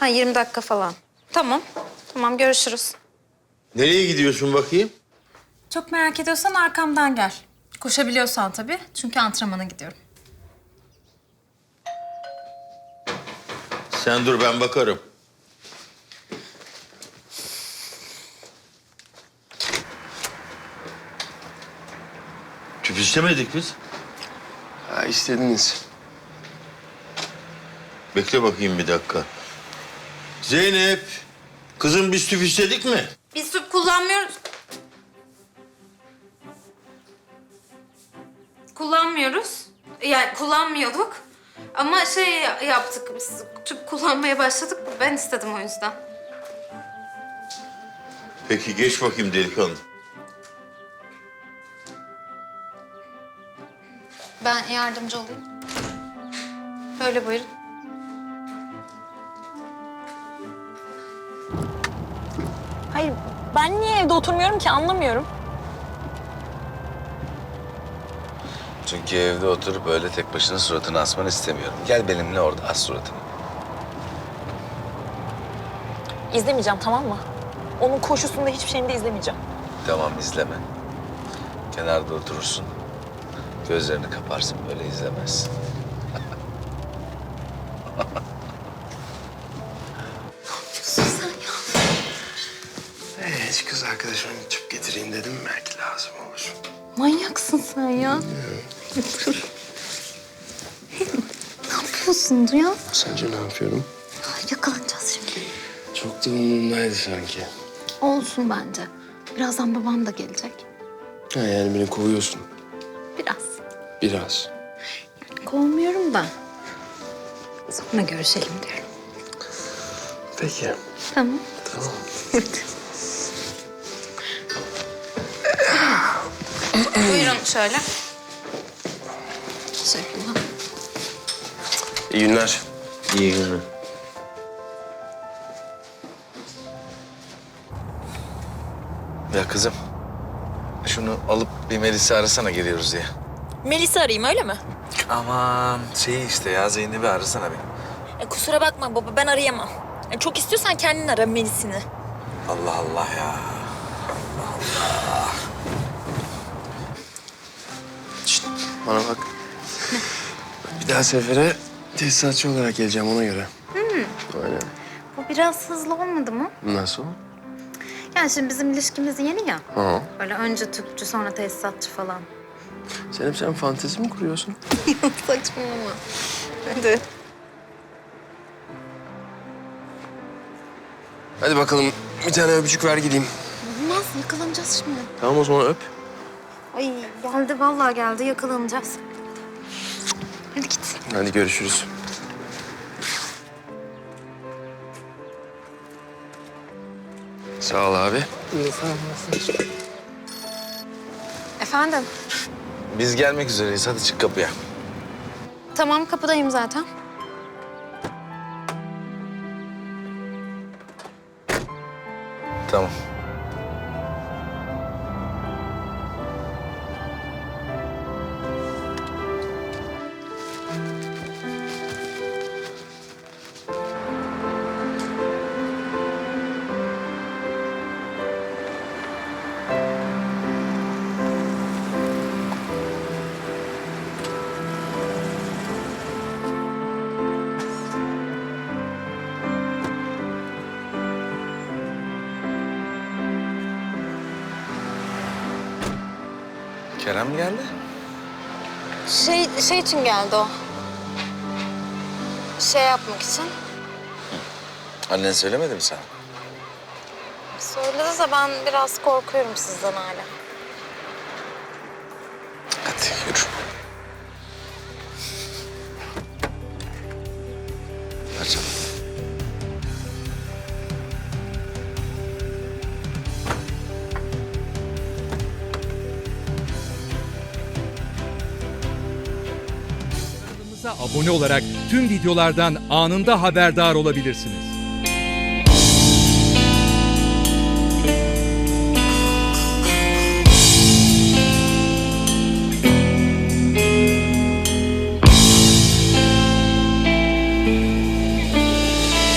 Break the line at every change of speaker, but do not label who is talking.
Ha 20 dakika falan. Tamam. Tamam görüşürüz.
Nereye gidiyorsun bakayım?
Çok merak ediyorsan arkamdan gel. Koşabiliyorsan tabii. Çünkü antrenmana gidiyorum.
Sen dur ben bakarım. Tüp istemedik biz.
Ha, istediniz.
Bekle bakayım bir dakika. Zeynep, kızım biz tüp istedik mi?
Biz tüp kullanmıyoruz. Kullanmıyoruz. Yani kullanmıyorduk. Ama şey yaptık biz. Tüp kullanmaya başladık. Ben istedim o yüzden.
Peki geç bakayım delikanlı.
Ben yardımcı olayım. Böyle buyurun.
Hayır, ben niye evde oturmuyorum ki anlamıyorum.
Çünkü evde oturup böyle tek başına suratını asmanı istemiyorum. Gel benimle orada as suratını.
İzlemeyeceğim, tamam mı? Onun koşusunda hiçbir şeyini de izlemeyeceğim.
Tamam izleme. Kenarda oturursun. Gözlerini kaparsın böyle izlemezsin.
Hiç kız arkadaşıma tüp getireyim dedim. Belki lazım olur.
Manyaksın sen ya. Ne yapıyorsun Duyan?
Sence ne yapıyorum?
Yakalanacağız şimdi.
Çok da umurumdaydı sanki.
Olsun bence. Birazdan babam da gelecek.
Ha, yani beni kovuyorsun.
Biraz.
Biraz.
Kovmuyorum da. Sonra görüşelim diyorum.
Peki.
Tamam.
Tamam.
Buyurun şöyle. Teşekkürler.
İyi günler.
İyi günler.
Ya kızım, şunu alıp bir Melis'i arasana geliyoruz diye.
Melis'i arayayım öyle mi?
Aman şey işte ya Zeynep'i arasana bir.
Kusura bakma baba, ben arayamam. Çok istiyorsan kendin ara Melis'ini.
Allah Allah ya.
Şişt, bana bak. Bir daha sefere tesisatçı olarak geleceğim ona göre. Aynen.
Bu biraz hızlı olmadı mı?
Nasıl?
Yani şimdi bizim ilişkimiz yeni ya.
Ha.
Böyle önce tüpçü sonra tesisatçı falan.
Sen fantezi mi kuruyorsun?
Saçmalama. Hadi.
Hadi bakalım bir tane öpücük ver gideyim.
Olmaz yakalanacağız şimdi.
Tamam o zaman öp.
Ay geldi vallahi geldi yakalanacağız. Hadi git.
Hadi görüşürüz. Sağ ol abi.
Efendim?
Biz gelmek üzereyiz hadi çık kapıya.
Tamam kapıdayım zaten.
Tamam. Kerem geldi.
Şey için geldi o. Şey yapmak için.
Annen söylemedi mi sana?
Söyledi de ben biraz korkuyorum sizden hala.
Hadi yürü. Ver canım.
Kanalımıza abone olarak tüm videolardan anında haberdar olabilirsiniz.